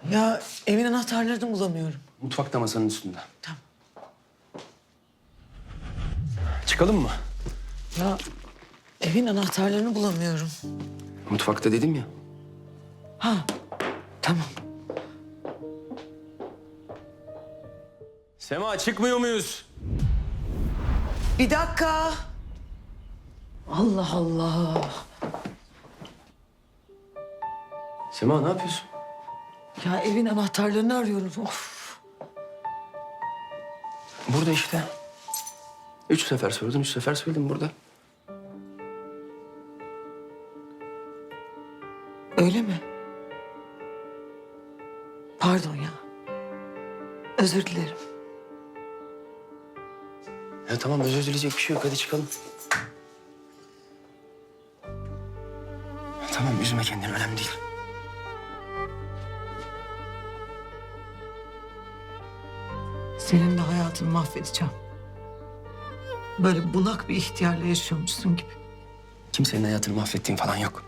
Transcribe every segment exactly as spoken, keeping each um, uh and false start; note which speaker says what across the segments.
Speaker 1: Ya evin anahtarlarını bulamıyorum.
Speaker 2: Mutfakta masanın üstünde.
Speaker 1: Tamam.
Speaker 2: Çıkalım mı?
Speaker 1: Ya evin anahtarlarını bulamıyorum.
Speaker 2: Mutfakta dedim ya.
Speaker 1: Ha, tamam.
Speaker 2: Sema çıkmıyor muyuz?
Speaker 1: Bir dakika. Allah Allah.
Speaker 2: Sema ne yapıyorsun?
Speaker 1: Ya evin anahtarlarını arıyorum. Of.
Speaker 2: Burada işte. Üç sefer sordun, üç sefer söyledim burada.
Speaker 1: Öyle mi? Pardon ya. Özür dilerim.
Speaker 2: Ya tamam özür dileyecek bir şey yok. Hadi çıkalım. Tamam üzme kendini önemli değil.
Speaker 1: Senin de hayatını mahvedeceğim. Böyle bunak bir ihtiyarla yaşıyormuşsun gibi.
Speaker 2: Kimsenin hayatını mahvettiğim falan yok.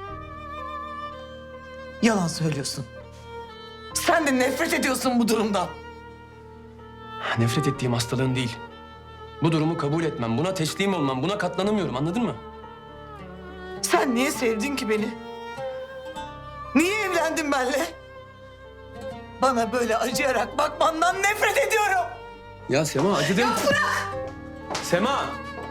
Speaker 1: Yalan söylüyorsun. Sen de nefret ediyorsun bu durumdan.
Speaker 2: Nefret ettiğim hastalığın değil. Bu durumu kabul etmem, buna teslim olmam, buna katlanamıyorum anladın mı?
Speaker 1: Sen niye sevdin ki beni? Niye evlendin benimle? Bana böyle acıyarak bakmandan nefret ediyorum.
Speaker 2: Ya Sema acıdın.
Speaker 1: Ya bırak!
Speaker 2: Sema!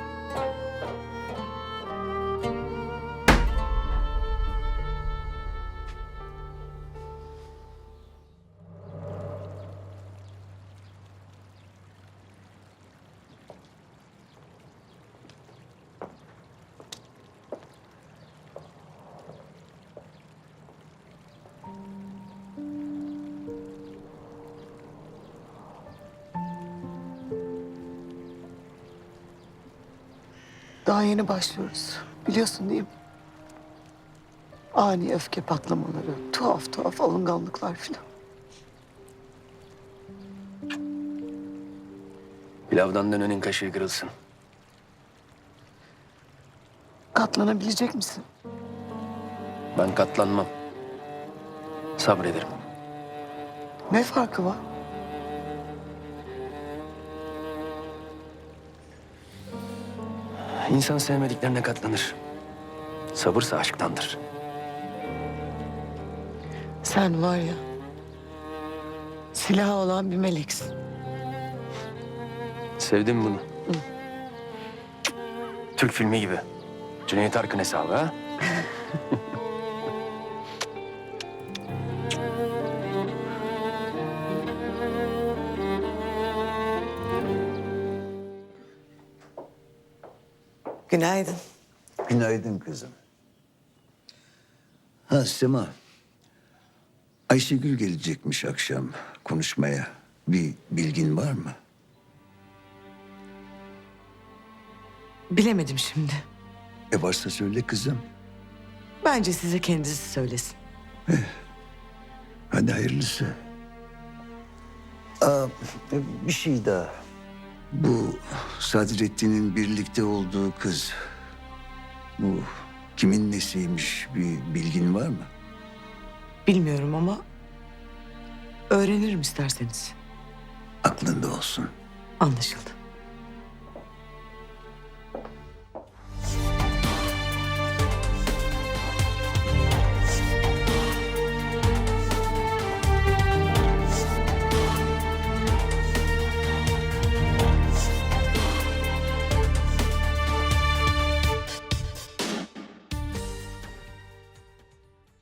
Speaker 1: Daha yeni başlıyoruz. Biliyorsun değil mi? Ani öfke patlamaları, tuhaf tuhaf alınganlıklar filan.
Speaker 2: Pilavdan dönenin kaşığı kırılsın.
Speaker 1: Katlanabilecek misin?
Speaker 2: Ben katlanmam. Sabrederim.
Speaker 1: Ne farkı var?
Speaker 2: İnsan sevmediklerine katlanır. Sabırsa aşktandır.
Speaker 1: Sen var ya, silahı olan bir meleksin.
Speaker 2: Sevdim bunu. Türk filmi gibi. Cüneyt Arkın hesabı ha?
Speaker 1: Günaydın.
Speaker 3: Günaydın kızım. Ha Sema. Ayşegül gelecekmiş akşam konuşmaya. Bir bilgin var mı?
Speaker 1: Bilemedim şimdi.
Speaker 3: E varsa söyle kızım.
Speaker 1: Bence size kendisi söylesin.
Speaker 3: Hadi hayırlısı. Aa, e, bir şey daha. Bu Sadrettin'in birlikte olduğu kız. Bu kimin nesiymiş bir bilgin var mı?
Speaker 1: Bilmiyorum ama öğrenirim isterseniz.
Speaker 3: Aklında olsun.
Speaker 1: Anlaşıldı.